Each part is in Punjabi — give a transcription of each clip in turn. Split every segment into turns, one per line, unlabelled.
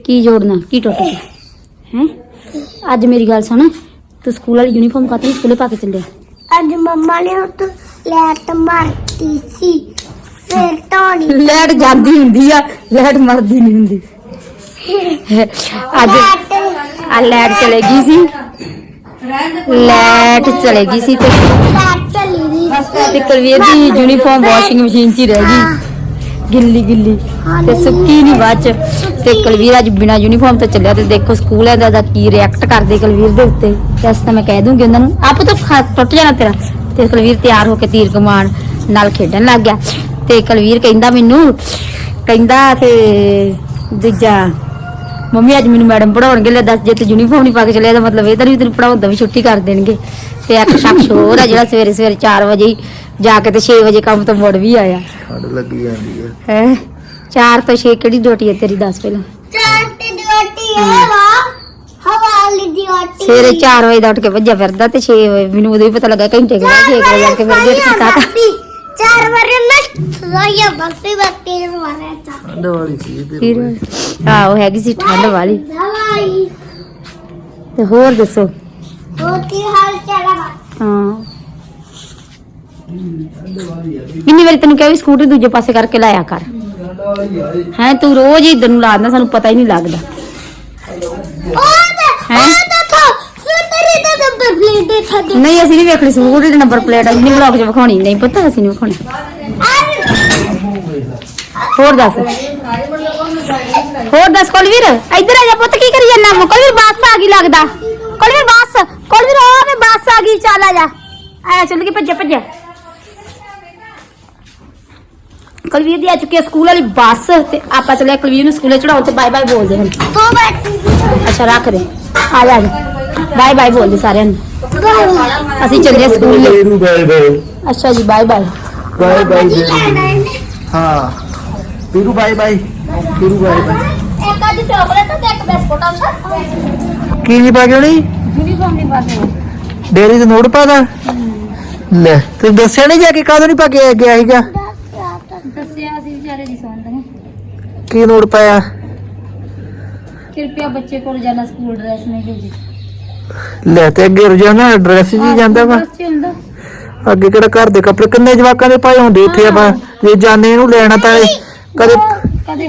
की जोड़ना की टुट गया है। अज मेरी गल सुन, तू स्कूल वाली यूनीफॉर्म खाते स्कूले पा के चले?
अज मम्मा ने तो लाइट मारती सी, फिर धोनी
लाइट जाती हुंदी आ, लाइट मरदी नहीं हुंदी। अज लाइट चलेगी सी, लाइट चलेगी सी ते कुलवीर दी यूनीफॉर्म वॉशिंग मशीन च रह गई गिल्ली गिल्ली ते सुक्की नहीं बाद च। ते कुलवीर अज बिना यूनीफॉर्म तो चलिया ते देखो स्कूल दा की रिएक्ट करदे कुलवीर दे उत्ते। दस तां मैं कह दूंगी उन्हां नूं आप तो टुट जाना तेरा। ते कुलवीर तैयार होके तीर कमान नाल खेडन लग गया। ते कुलवीर कहंदा मैनू कहंदा ते दूजा मम्मी अज मैनू मैडम पढ़ाउणगे। ले दस जे तू यूनीफॉर्म नहीं पा के चलिया मतलब इधर भी तेन पढ़ाउण दा भी छुट्टी कर देणगे। ते एक शख्स होर है जिहड़ा सवेरे सवेरे 4 वजे जाके ते 6 वजे काम तो मुड़ भी आया। लगी जांदी है 4 तो 6 किहड़ी ड्यूटी है तेरी? दस पहला
4 ते ड्यूटी है वा हवाली ड्यूटी।
सवेरे 4 वजे दा उठ के भज्जा फिरदा ते 6 वजे मैनू उदे भी पता लगा घंटे के बाद 6 वजे जाके फिर गेट कीता था।
4 बार ना रोया बत्ती बत्ती मारे चा
दवाली सी फिर हां वो हैगी सी ठंड वाली
दवाई।
ते होर दसो
और की हाल चाल है?
हां किन्नी बारी तेन कहा भी स्कूटर दूजे पासे करके लाया कर है। तू रोज ही इधर ला देना, सानू पता ही नहीं लगता है। नहीं असि नहीं वेखनी स्कूटर दी नंबर प्लेट नहीं ब्लॉग च विखानी नहीं पता असि नहीं विखानी। होर दस कुलवीर इधर आ जा पुत्त की करी जाना? कुलवीर बस आ गई लगदा। कुलवीर बस कुलवीर आ मैं बस आ गई चल आ जा आया चल के भज्जा भज्जा। कुलवीर दी आ चुकी है स्कूल वाली बस ते आपा चले कुलवीर नु स्कूले चढ़ाओ ते बाय बाय बोल दे हम। अच्छा रख दे आ जा बाय बाय बोल दे सारे असि चले स्कूल। अच्छा जी बाय बाय
बाय बाय हां Peeru bye bye Peeru bye bye.
एक आधी चॉकलेट ते एक बिस्कुट आंदा
की नहीं पा गई
यूनिफॉर्म नहीं पाते
डेरी ते नोट पादा ले तू दस्या नहीं जाके कादों नहीं पा के गया हीगा?
दस्या असि बेचारे दी सुनदे
की नोट पाया?
कृपया बच्चे को रोजाना स्कूल ड्रेस नहीं भेजी।
ले ते अगे रोजाना ड्रेस जी जांदा वा अगे किहड़ा घर दे कपड़े किन्ने जवाकां दे पाए हुंदे इत्थे आपा जे जाने इहनू लेना तां कदे
कदे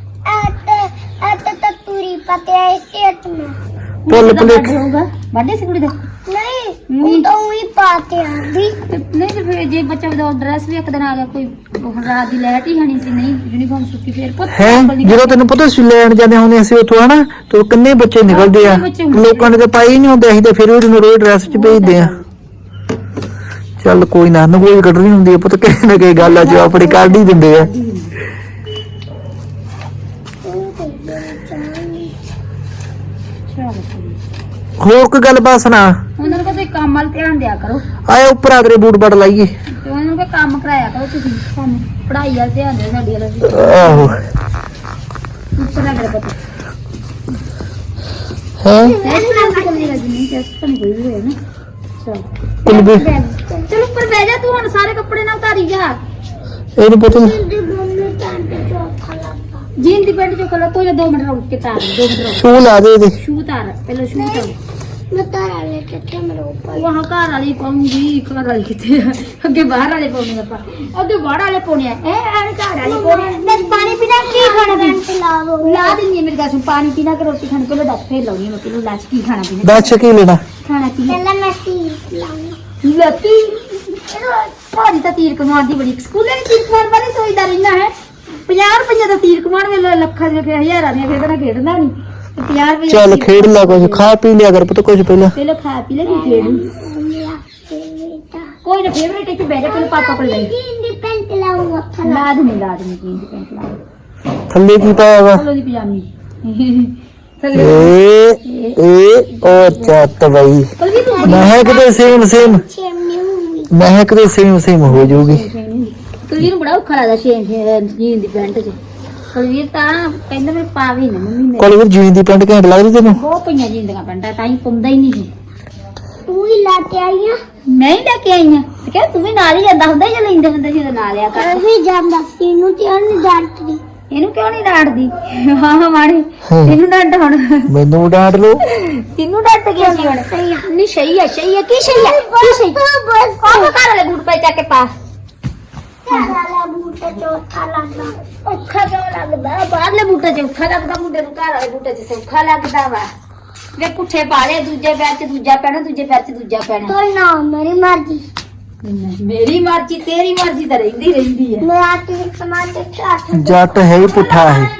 तो पूरी पते है सेट में
पुल पुलिक
होगा बर्थडे से कुड़ी दा
नहीं वो तो वही पाते आंदी
नहीं तो फिर जे बच्चा विदाउट ड्रेस भी एक दिन आ गया कोई रात दी लाइट ही हनी सी नहीं यूनिफॉर्म सुक्की फिर पुੱਤ
है ਜਦੋਂ ਤੈਨੂੰ ਪਤਾ ਸੀ ਲੈਣ ਜਾਂਦੇ ਹੁੰਦੇ ਅਸੀਂ ਉੱਥੋਂ ਹਨਾ ਤੇ ਕਿੰਨੇ ਬੱਚੇ ਨਿਕਲਦੇ ਆ ਲੋਕਾਂ ਨੇ ਤਾਂ ਪਾਈ ਨਹੀਂ ਹੁੰਦੇ ਅਸੀਂ ਤਾਂ ਫਿਰ ਵੀ ਰੋਜ਼ ਡਰੈਸ ਚ ਭੇਜਦੇ ਆ। ਚੱਲ ਕੋਈ ਨਾ ਨਗੋਈ ਕੱਢਣੀ ਹੁੰਦੀ ਆ ਪੁੱਤ ਕਿਸੇ ਨਾ ਕਿਸੇ ਗੱਲ ਆ ਜੋ ਆਪਣੇ ਕੱਢ ਹੀ ਦਿੰਦੇ ਆ। ਹੋਰ ਕੋਈ ਗੱਲ ਬਾਤ ਸੁਣਾ
ਉਹਨਾਂ ਨੂੰ ਕੋਈ ਕੰਮ ਵੱਲ ਧਿਆਨ ਦਿਆ ਕਰੋ।
ਆਏ ਉੱਪਰ ਆਗਰੇ ਬੂਟ ਬੜ ਲਾਈਏ
ਤੇ ਉਹਨਾਂ ਨੂੰ ਕੋਈ ਕੰਮ ਕਰਾਇਆ ਕਰੋ ਤੁਸੀਂ ਸਾਨੂੰ ਪੜ੍ਹਾਈ ਵੱਲ ਧਿਆਨ ਦਿਓ ਸਾਡੀ ਵੱਲ ਵੀ।
ਆਹੋ
ਉੱਪਰ ਆਗਰੇ ਪਤਾ
ਹੈ
ਟੈਸਟ ਨਾਲ ਕੋਈ ਨਹੀਂ ਟੈਸਟ ਤਾਂ ਨਹੀਂ ਹੋਈ ਹੈ ਨਾ। ਚਲੋ
ਕੁਲਬੀ
ਚਲ ਉੱਪਰ ਬਹਿ ਜਾ ਤੂੰ ਹੁਣ ਸਾਰੇ ਕੱਪੜੇ ਨਾਲ ਉਤਾਰੀ ਜਾ।
ਇਹਨੂੰ ਪਤਾ ਨੀ
मम्मी पैंट चौथा लगा
जीन दी पैंट जो कलर तो 2 मिनट रुक के तार 2 मिनट रुक
ਸ਼ੂ ਲਾ ਦੇ ਇਹਦੇ
शू तार पहले शू तार
मैं तारा लेके थे मेरे ऊपर
वहां घर वाली पाऊंगी घर वाली किथे अगे बाहर वाले पाउने ਆਪਾਂ अगे बाहर वाले पाउने ए घर वाले पाउने
बस पानी पीना की खाना पैंट ला दो
ला देनी मेरी गास पानी पीना के रोटी खाने पहले दस फेर लाऊंगी मैं पहले लाच की खाना पीना
ਦੱਸ ਕੀ ਲੈਣਾ
खाना पीना
पहले मैं तीर लाऊंगी
लती भारी ता तीर कमार दी बड़ी स्कूले में तीर कमार वाली सोचदा रहना है 50 रुपए ਦਾ तीर ਕਮਾਣ ਵੇਲੇ ਲੱਖਾਂ ਦੇ ਫਿਰ ਹਜ਼ਾਰਾਂ ਦੀਆਂ ਖੇਡਣਾ ਖੇਡਣਾ ਨਹੀਂ ਤੇ 50 ਰੁਪਏ
ਚੱਲ ਖੇਡ ਲੈ ਕੁਝ ਖਾ ਪੀ ਲਿਆ ਕਰ ਪੁੱਤ ਕੁਝ ਪਹਿਲਾਂ
ਪਹਿਲਾਂ ਖਾ ਪੀ ਲੈ ਫਿਰ ਖੇਡ ਕੋਈ ਨਾ ਫੇਵਰੇਟ ਇੱਥੇ ਬੈਠ ਕੇ ਪਾਪਾ ਕੋਲ ਲੈ
जीन दी पैंट लाऊंगा
ਲਾਦ ਨਹੀਂ ਜੀਨ ਦੀ ਪੈਂਟ ਲਾ
ਥੱਲੇ ਕੀ ਪਾਇਆ ਵਾ
ਚਲੋ ਦੀ ਪਜਾਮੀ ਥੱਲੇ
ਏ ਉਹ ਚੱਤ ਬਈ
ਕੋਲ ਵੀ ਤੂੰ
ਮਹਿਕ ਦੇ ਸੇਮ
चेमनी हुई
ਮਹਿਕ ਦੇ ਸੇਮ ਹੋ ਜਾਊਗੀ।
ਕੁਲਵੀਰ ਨੂੰ ਬੜਾ ਔਖਾ ਲੱਗਦਾ ਜੀਨ ਦੀ ਪੈਂਟ 'ਚ ਕੁਲਵੀਰ ਤਾਂ ਕਹਿੰਦਾ ਮੈਂ ਪਾ ਵੀ ਨਾ ਮੰਮੀ ਮੇਰੇ
ਕੋਲ ਵੀ ਜੀਨ ਦੀ ਪੈਂਟ ਘੈਂਟ ਲੱਗਦੀ ਤੈਨੂੰ?
ਬਹੁਤ ਪਈਆਂ ਜੀਨ ਦੀਆਂ ਪੈਂਟਾਂ ਤਾਂ ਹੀ ਪਾਉਂਦਾ ਹੀ ਨਹੀਂ ਸੀ।
तू ही लाके आई है
ਨਹੀਂ ਲੈ ਕੇ ਆਈਆਂ ਤੇ ਕਹਿੰਦਾ ਤੂੰ ਵੀ ਨਾਲ ਹੀ ਜਾਂਦਾ ਹੁੰਦਾ ਜਾਂ ਲੈਂਦੇ ਹੁੰਦੇ ਸੀ ਨਾਲ ਆ ਕਰ
अभी जांदा सी नु ते नहीं डांटदी
ਇਹਨੂੰ ਕਿਉਂ ਨਹੀਂ ਡਾਂਟਦੀ ਹਾਂ ਮਾੜੇ
ਹਾਂ।
ਇਹਨੂੰ ਡਾਂਟ ਹੁਣ
ਮੈਨੂੰ ਡਾਂਟ ਲਓ।
ਤੈਨੂੰ ਡਾਂਟ ਗਿਆ ਸੀ ਹੁਣ ਨਹੀਂ ਸਹੀ ਹੈ ਕੀ ਸਹੀ ਹੈ ਕੀ ਸਹੀ ਉਹ ਘਰ ਵਾਲੇ ਬੂਟ ਪੈ ਚੱਕ ਕੇ ਪਾ
ਵਾਲਾ ਬੂਟਾ ਚੌਥਾ ਲੱਗਦਾ
ਔਖਾ ਕਿਉਂ ਲੱਗਦਾ ਬਾਹਰਲੇ ਬੂਟੇ 'ਚ ਔਖਾ ਲੱਗਦਾ ਮੁੰਡੇ ਨੂੰ ਘਰ ਵਾਲੇ ਬੂਟੇ 'ਚ ਸੌਖਾ ਲੱਗਦਾ ਵਾ ਵੇ ਪੁੱਠੇ ਪਾ ਲਿਆ ਦੂਜੇ ਪੈਰ 'ਚ ਦੂਜਾ ਪੈਣਾ ਦੂਜੇ ਪੈਰ 'ਚ ਦੂਜਾ ਪੈਣਾ
ਕੋਈ ਨਾ ਮੇਰੀ ਮਰਜ਼ੀ
ਮੇਰੀ ਮਰਜ਼ੀ ਤੇਰੀ ਮਰਜ਼ੀ ਤਾਂ ਰਹਿੰਦੀ ਹੈ
ਮੈਂ ਆਤੀ ਸਮਾਨ ਤੇ ਚਾਟ
ਜੱਟ ਹੈ ਹੀ ਪੁੱਠਾ ਹੈ।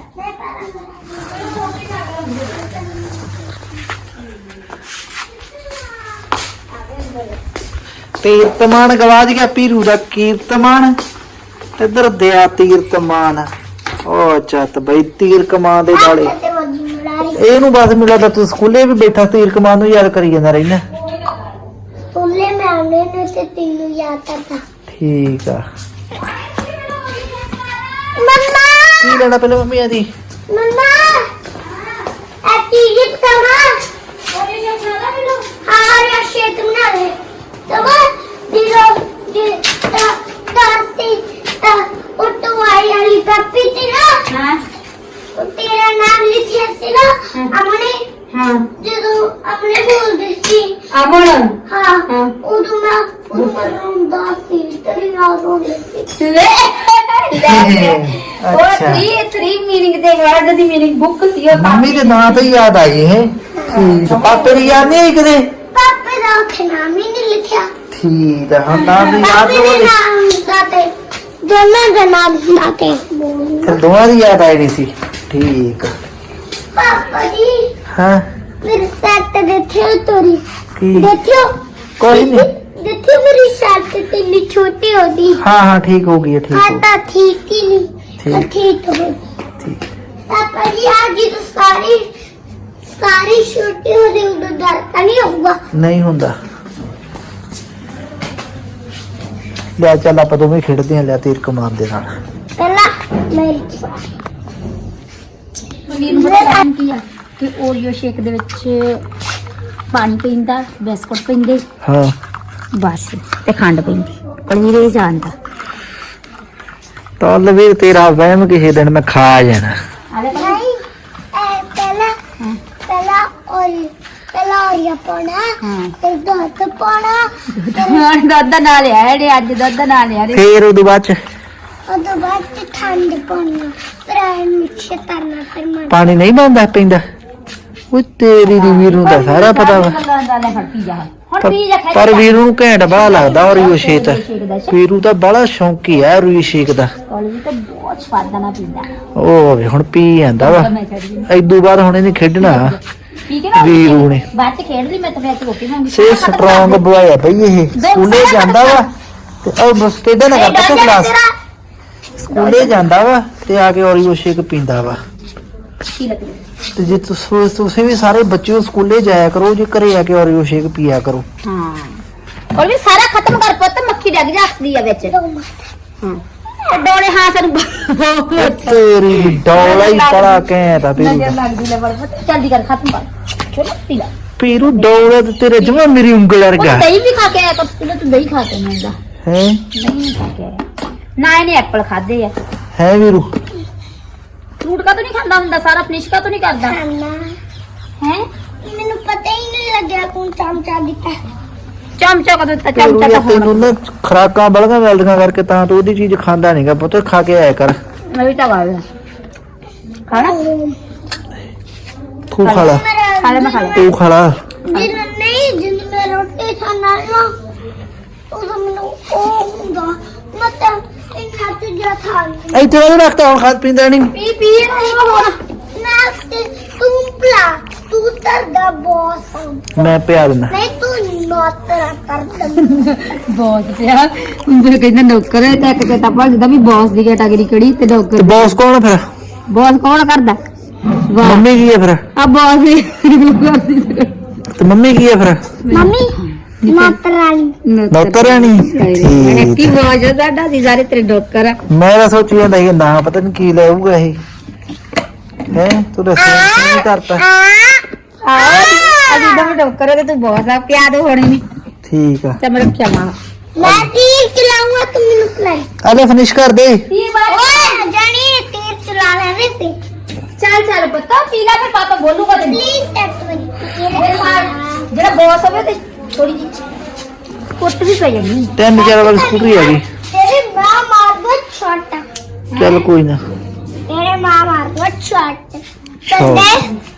ਤੀਰਤਮਾਨ ਗਵਾਜ ਗਿਆ ਪੀਰੂ ਦਾ ਕੀਰਤਮਾਨ ਇੱਧਰ ਦਿਆ ਤੀਰਤਮਾਨ ਉਹ ਚੱਤ ਬਈ ਤੀਰ ਕਮਾਨ ਦੇ ਨਾਲੇ
ਤੇ ਵੱਜੀ ਮਲਾਰੀ
ਇਹਨੂੰ ਬਸ ਮਿਲਾ ਤਾਂ ਤੂੰ ਸਕੂਲੇ ਵੀ ਬੈਠਾ ਤੀਰ ਕਮਾਨ ਨੂੰ ਯਾਦ ਕਰੀ ਜਾਂਦਾ ਰਹਿਣਾ।
ਸਕੂਲੇ ਮੈਂ ਆਉਣੇ ਨੇ ਤੇ ਤੈਨੂੰ ਯਾਦ ਕਰਦਾ
ਠੀਕ ਆ
ਮੰਮਾ
ਕੀ ਲੈਣਾ ਪਹਿਲਾਂ ਮੰਮੀ ਆਦੀ
ਮੰਮਾ ਐਤੀ ਜਿੱਤ ਕਮਾ ਹਾਂ ਯਾ ਸ਼ੇਕ ਬਣਾ ਲੈ ਤਮਾ ਦਿਰੋ ਦੀ ਤਾਤੀ ਤਾ ਉਟਵਾਈ ਵਾਲੀ ਕਾਪੀ ਤੇ ਨਾ
ਹਾਂ
ਉਹ ਤੇਰਾ ਨਾਮ ਲਿਖਿਆ ਸੀ ਨਾ ਅਮਨੇ
ਹਾਂ
ਜਦੋਂ ਅਮਨੇ ਬੋਲਦੀ ਸੀ
ਅਮਨ
ਹਾਂ
ਹਾਂ।
ਉਦੋਂ ਮੈਂ ਰੋਂਦਾ ਸੀ ਤੇ ਯਾਦ ਰੋਂਦੀ ਸੀ
ਲੈ ਉਹ
ਅੱਛਾ
3 ਮੀਨਿੰਗ ਦੇ ਵਰਡ ਦੀ ਮੀਨਿੰਗ ਬੁੱਕ ਸੀ ਉਹ
ਮੰਮੀ ਦੇ ਨਾਂ ਤੋਂ ਹੀ ਯਾਦ ਆਈ ਹੈ। ਠੀਕ ਆ। ਪਾਪੇ ਦੀ ਯਾਦ ਨਹੀਂ ਆਈ ਕਦੇ।
ਪਾਪੇ ਦਾ ਉੱਥੇ ਨਾਮ ਹੀ ਨਹੀਂ ਲਿਖਿਆ
ਠੀਕ ਆ ਹੁਣ ਨਾਮ ਦੀ ਯਾਦ
ਪਾਪੇ ਦੇ
ਹੋਵੇ
ਨਾਮ ਦਾ ਤੇ ਦੋਨਾਂ ਦਾ ਨਾਮ ਦਾ ਤੇ
ਫਿਰ ਦੋਵਾਂ ਦੀ ਯਾਦ ਆਈ ਨਹੀਂ ਸੀ। ਠੀਕ ਆ।
ਪਾਪਾ ਜੀ
ਹਾਂ
ਮੇਰੇ ਸੱਤ ਦੇਖਿਓ ਤੋਰੀ
ਕੀ
ਦੇਖਿਓ
ਕੋਈ ਨਹੀਂ।
ਦੇਖਿਓ ਮੇਰੀ ਸੱਤ ਤੇ ਇੰਨੀ ਛੋਟੀ ਹੋਦੀ
ਹਾਂ ਠੀਕ ਹੋ ਗਈ ਹੈ, ਠੀਕ ਹੋ ਗਈ।
ਤਾਂ ਠੀਕ ਹੀ ਨਹੀਂ
ਠੀਕ।
ਠੀਕ ਹੋ ਗਈ
ਠੀਕ
ਪਾਪਾ ਜੀ आज तो सारी छुट्टी हो रही उधर डर का नहीं होगा
ਨਹੀਂ ਹੁੰਦਾ। ਲੈ ਚੱਲ ਆਪਾਂ ਦੋਵੇਂ ਖੇਡਦੇ ਹਾਂ। ਲੈ ਤੀਰ ਕਮਾਨ ਦੇ ਨਾਲ
पहला मेरी
ਵੀਰ ਨੂੰ ਪਤਾ ਕੀ ਆ ਕਿ ਓਰੀਓ ਸ਼ੇਕ ਦੇ ਵਿੱਚ ਪਾਣੀ ਪੈਂਦਾ ਬਿਸਕੁਟ ਪੈਂਦੇ
ਹਾਂ
ਬਸ ਤੇ ਖੰਡ ਪੈਂਦੀ ਪਨੀਰ ਹੀ ਜਾਂਦਾ
ਤਾਂ ਵੀਰ ਤੇਰਾ ਵਹਿਮ ਕਿਸੇ ਦਿਨ ਮੈਂ ਖਾ ਜਾਣਾ।
नहीं पहला और ये पाना
हाँ।
फिर दूध पाना
ਹੁਣ ਦੁੱਧ ਨਾਲ ਲਿਆ ਜਿਹੜੇ ਅੱਜ ਦੁੱਧ ਨਾਲ ਲਿਆ ਰੇ
ਫੇਰ ਉਹਦੇ ਬਾਅਦ ਚ
और तो बाद ठंड पाना फिर मिक्स करना फिर मैं
ਪਾਣੀ ਨਹੀਂ ਬੰਦਾ ਪੈਂਦਾ। ਉਹ ਤੇਰੀ ਦੀ ਵੀਰ ਨੂੰ ਤਾਂ ਸਾਰਾ ਪਤਾ ਵਾ।
ਹੁਣ ਪੀ ਜਾ ਹੁਣ ਪੀ ਜਾ ਖਾ
ਪਰ ਵੀਰੂ ਨੂੰ ਘੈਂਟ ਬੜਾ ਲੱਗਦਾ ਔਰੀਓ ਸ਼ੇਕ। ਵੀਰੂ ਤਾਂ ਬੜਾ ਸ਼ੌਂਕੀ ਹੈ ਔਰੀਓ ਸ਼ੇਕ ਦਾ।
ਕਾਲਜ ਤਾਂ ਬਹੁਤ ਸਵਾਦ ਨਾਲ ਪੀਂਦਾ
ਉਹ ਵੇ ਹੁਣ ਪੀ ਜਾਂਦਾ ਵਾ।
ਮੈਂ ਛੱਡ ਗਈ
ਐਦੂ ਬਾਅਦ ਹੁਣ ਇਹਨੇ ਖੇਡਣਾ
ਪੀ ਕੇ ਨਾ
ਵੀਰੂ ਨੇ।
ਬਾਅਦ ਚ ਖੇਡ ਲਈ ਮੈਂ ਤਾਂ ਫਿਰ ਰੋਟੀ ਮੰਗੀ
ਸੇ ਸਟਰੋਂਗ ਬੁਆਏ ਆ ਬਈ ਇਹ। ਸਕੂਲੇ ਜਾਂਦਾ ਵਾ ਤੇ ਉਹ ਬਸ ਟੇਡਾ ਨਾ ਕਰਦਾ ਤੇ ਕਲਾਸ ਸਕੂਲੇ ਜਾਂਦਾ ਵਾ ਤੇ ਆ ਕੇ ਔਰੀਓ ਸ਼ੇਕ ਪੀਂਦਾ ਵਾ।
ਕੀ ਲੱਗਦਾ
ਤੇ ਜੇ ਤੁਸੀਂ ਵੀ ਸਾਰੇ ਬੱਚਿਓ ਸਕੂਲੇ ਜਾਇਆ ਕਰੋ ਜੇ ਘਰੇ ਆ ਕੇ ਔਰੀਓ ਸ਼ੇਕ ਪੀਆ ਕਰੋ।
ਹਾਂ ਕੋਲ ਵੀ ਸਾਰਾ ਖਤਮ ਕਰ ਪੁੱਤ ਮੱਖੀ ਡੱਗ ਜਾਂਦੀ ਆ ਵਿੱਚ ਹਾਂ ਤੇ ਡੋਲੇ ਹਾਂ ਸਾਨੂੰ
ਤੇਰੀ ਦੀ ਡੌਲਾ ਹੀ ਬੜਾ ਘੈਂਟ ਆ ਪੀਰੂ
ਨਜ਼ਰ
ਦਾ।
ਲੱਗਦੀ ਲੈ ਬੜ ਜਲਦੀ ਕਰ ਖਤਮ ਕਰ ਚਲੋ ਪੀ ਲੈ
ਪੀਰੂ ਡੌਲਾ ਤੇ ਤੇਰੇ ਜਮਾ ਮੇਰੀ ਉਂਗਲ
ਉਹ
ਵਰਗਾ
ਦਹੀਂ ਵੀ ਖਾ ਕੇ ਆਇਆ ਕਰ ਤੂੰ ਦਹੀਂ ਖਾ ਕੇ ਆਉਂਦਾ
ਹੈ।
ਨਹੀਂ ਖਾ ਕੇ ਆਇਆ ਨਾ ਇਹਨੇ ਐਪਲ ਖਾਦੇ ਆ
ਹੈ ਵੀਰੂ
ਫਰੂਟ ਕਾ ਨਹੀਂ ਖਾਂਦਾ ਹੁੰਦਾ ਸਾਰਾ ਫਿਨਿਸ਼ ਕਾ ਨਹੀਂ ਕਰਦਾ
खाना
ਹੈ
मैंने पता ही नहीं लगा कौन चमचा दिता
ਚਮਚਾ ਕਦੋਂ ਦਿੱਤਾ
ਪੀਰੂ
ਚਮਚਾ
ਨੇ
ਤਾਂ
ਤੈਨੂੰ ਨਾ ਖਰਾਕਾਂ ਬਲਗਾਂ ਮਿਲਦੀਆਂ ਕਰਕੇ ਤਾਂ ਤੂੰ ਉਹਦੀ ਚੀਜ਼ ਖਾਂਦਾ ਨਹੀਂਗਾ ਪੁੱਤ। ਖਾ ਕੇ ਆਇਆ ਕਰ।
ਮੈਂ ਵੀ ਤਾਂ ਗੱਲ ਖਾਣਾ
ਤੂੰ ਖਾ ਲਾ
ਖਾ ਲੈ ਮੈਂ ਖਾ ਲੈ
ਤੂੰ ਖਾ ਲਾ।
जिन नहीं जिन में रोटी खाना ना उधर मैंने ओ होगा मतलब इन हाथ जा था
ਇੱਥੇ ਉਹ ਰੱਖਤਾ ਹੁਣ ਖਾਦ ਪੀਂਦਾ ਨਹੀਂ।
ਪੀ ਪੀ
ना तुम प्ला तू तर द बॉस
ਮੈਂ ਪਿਆ ਦਿੰਦਾ।
नहीं तू नौतर कर
ਬੌਸ ਪਿਆ ਉਹ ਕਹਿੰਦਾ ਨੌਕਰ ਹੈ ਤੇ ਇੱਕ ਕਹਿੰਦਾ ਭੱਜਦਾ ਵੀ ਬੌਸ ਦੀ ਕੈਟਾਗਰੀ ਕਿਹੜੀ ਤੇ
ਤੇ
ਨੌਕਰ
ਬੌਸ ਕੌਣ ਆ ਫਿਰ?
ਬੌਸ ਕੌਣ ਕਰਦਾ ਵਾਹ
ਮੰਮੀ ਕੀ ਹੈ ਫਿਰ?
ਆ ਬੌਸ ਹੀ ਕਰਦੀ
ਤੇ ਮੰਮੀ ਕੀ ਹੈ ਫਿਰ?
मम्मी नौतर रानी
ਨੌਕਰ ਰਾਣੀ।
ਕੀ
ਠੀਕ।
ਬੌਸ ਹੈ ਸਾਡਾ ਸੀ ਸਾਰੇ ਤੇਰੇ ਨੌਕਰ ਆ
ਮੈਂ ਤਾਂ ਸੋਚੀ ਜਾਂਦਾ ਸੀ ਨਾ ਪਤਾ ਨਹੀਂ ਕੀ ਲਾਊਗਾ ਇਹ। ਹੈ ਤੂੰ ਦੱਸ ਕੀ ਕਰਤਾ?
ਅਸੀਂ ਤਾਂ ਨੌਕਰ ਹੈ ਤੇ ਤੂੰ ਬੌਸ ਆ ਪਿਆ ਦੋ ਹੋਣੀ ਨਹੀਂ
ਠੀਕ ਆ।
ਤੇ ਮੈਂ ਖਿਆਵਾ
मैं तीर चलाऊंगा तुम मैंने खिलाई
ਅਲੇ ਫਿਨਿਸ਼ ਕਰ ਦੇ।
ਕੀ ਬਾਤ
ओए जानी तीर ਦੇ पे
ਚੱਲ ਚੱਲ ਪੁੱਤ ਪੀ ਲੈ ਫਿਰ ਪਾਪਾ ਬੋਲੂਗਾ ਤੈਨੂੰ
प्लीज एक मिनट
ਮੇਰੇ ਨਾਲ ਜਿਹੜਾ ਬੌਸ ਹੋਵੇ ਤੇ ਥੋੜੀ ਜੀ ਕੁੱਟ ਵੀ ਪੈ ਜਾਣੀ
3-4 ਵਾਲੀ ਸਕੂਟਰੀ ਆ ਗਈ
तेरी माँ मार दो छोटा
ਚੱਲ ਕੋਈ ਨਾ
तेरे माँ मार दो छोटा
छोटा।
संडे